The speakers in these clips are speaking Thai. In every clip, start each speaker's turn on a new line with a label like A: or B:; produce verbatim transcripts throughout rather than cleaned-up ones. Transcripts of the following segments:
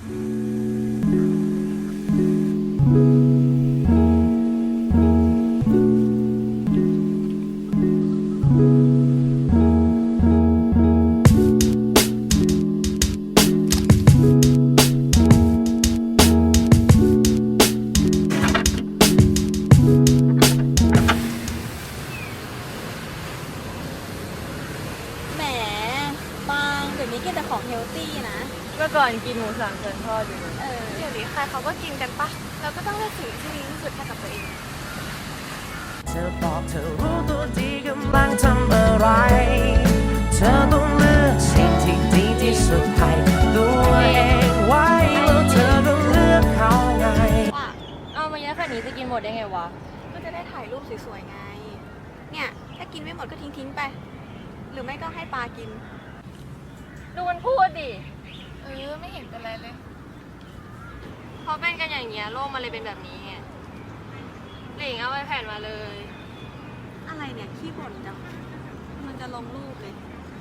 A: แหมบางเดี๋ยวนี้กินแต่ของเฮลตี้นะ
B: เมื่อก่อนกินหมูสามชั้นทอดอยู่เลย
A: เออ
C: เดี๋ยวนี้ใครเขาก็กินกันปะเราก็ต้องเลือกสิ่งที่ดีที่สุดให้กับตัวเอง
D: เธอบอกเธอรู้ตัวดีกำลังทำอะไร เธอต้องเลือกสิ่งที่ดีที่สุดให้ตัวเองไว้แล้วเธอก็เลือกเขาไง
A: ว่า
B: เอามาเยอะขนาดนี้จะกินหมดได้ไงวะ
C: ก็จะได้ถ่ายรูปสวยๆไง เนี่ยถ้ากินไม่หมดก็ทิ้งๆไป หรือไม่ก็ให้ปลากิน
B: ดูมันพูดดิ
C: เออไม่เห็นเป็นไรเลย
B: เพราะเป็นกันอย่างเงี้ยโลกมันเลยเป็นแบบนี้ไงหลิงเอาไอแผ่นมาเลย
C: อะไรเนี่ยขี้บ่นจัง มันจะลงรูปเลย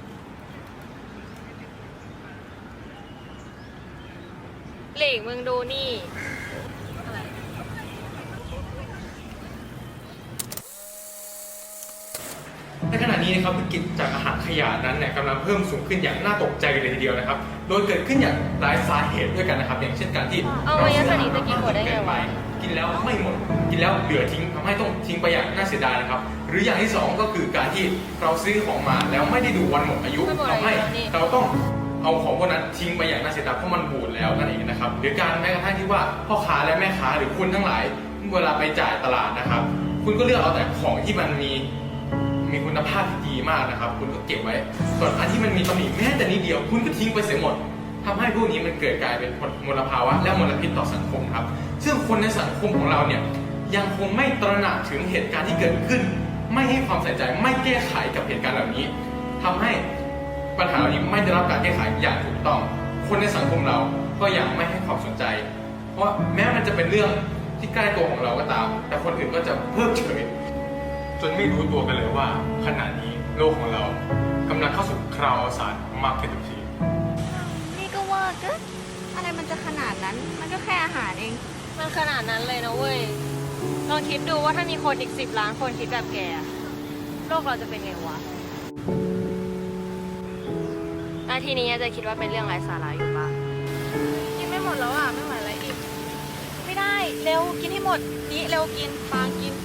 B: หลิงมึงดูนี่
E: ในขณะนี้นะครับวิกฤตจากอาหารขยะนั้นเนี่ยกำลังเพิ่มสูงขึ้นอย่างน่าตกใจเลยทีเดียวนะครับ โดยเกิดขึ้นอย่างหลายสาเหตุด้วยกันนะครับ อย่างเช่นการที่
B: เอามาเยอะขนาดนี้จะกินหมดได้ไงวะ
E: กินแล้วไม่หมด กินแล้วเหลือทิ้งทำให้ต้องทิ้งไปอย่างน่าเสียดายนะครับ หรืออย่างที่สองก็คือการที่เราซื้อของมาแล้วไม่ได้ดูวันหมดอายุทำให้เราต้องเอาของพวกนั้นทิ้งไปอย่างน่าเสียดายเพราะมันบูดแล้วนั่นเองนะครับหรือการแม้กระทั่งที่ว่าพ่อค้าและแม่ค้าหรือคุณทั้งหลายเวลาไปจ่ายตลาดนะครับ คุณก็เลือกเอาแต่ของที่มันมีมีคุณภาพที่ดีมากนะครับ คุณก็เก็บไว้ ส่วนอันที่มันมีตำหนิแม้แต่นิดเดียว คุณก็ทิ้งไปเสียหมดทำให้พวกนี้มันเกิดกลายเป็นมลภาวะและมลพิษต่อสังคมครับ ซึ่งคนในสังคมของเราเนี่ยยังคงไม่ตระหนักถึงเหตุการณ์ที่เกิดขึ้น ไม่ให้ความใส่ใจไม่แก้ไขกับเหตุการณ์เหล่านี้ทำให้ปัญหาเหล่านี้ไม่ได้รับการแก้ไขอย่างถูกต้อง คนในสังคมเราก็ยังไม่ให้ความสนใจ เพราะแม้มันจะเป็นเรื่องที่ใกล้ตัวของเราก็ตาม แต่คนอื่นก็จะเพิกเฉยจนไม่รู้ตัวกันเลยว่าขณะนี้โลกของเรากำลังเข้าสู่คราวอวสานมากขึ้นทุกที
C: นี่ก็ว่าเกินอะไรมันจะขนาดนั้น มันก็แค่อาหารเอง
B: มันขนาดนั้นเลยนะเว้ย ลองคิดดูว่าถ้ามีคนอีกสิบล้านคนคิดแบบแกอะโลกเราจะเป็นไงวะอาทีนี้จะคิดว่าเป็นเรื่องไร้สาระอยู่ปะ
C: กินไม่หมดแล้วอ่ะ ไม่ไหวแล้วอีก ไม่ได้ เร็ว กินให้หมด นี่เร็วกินฟางกิน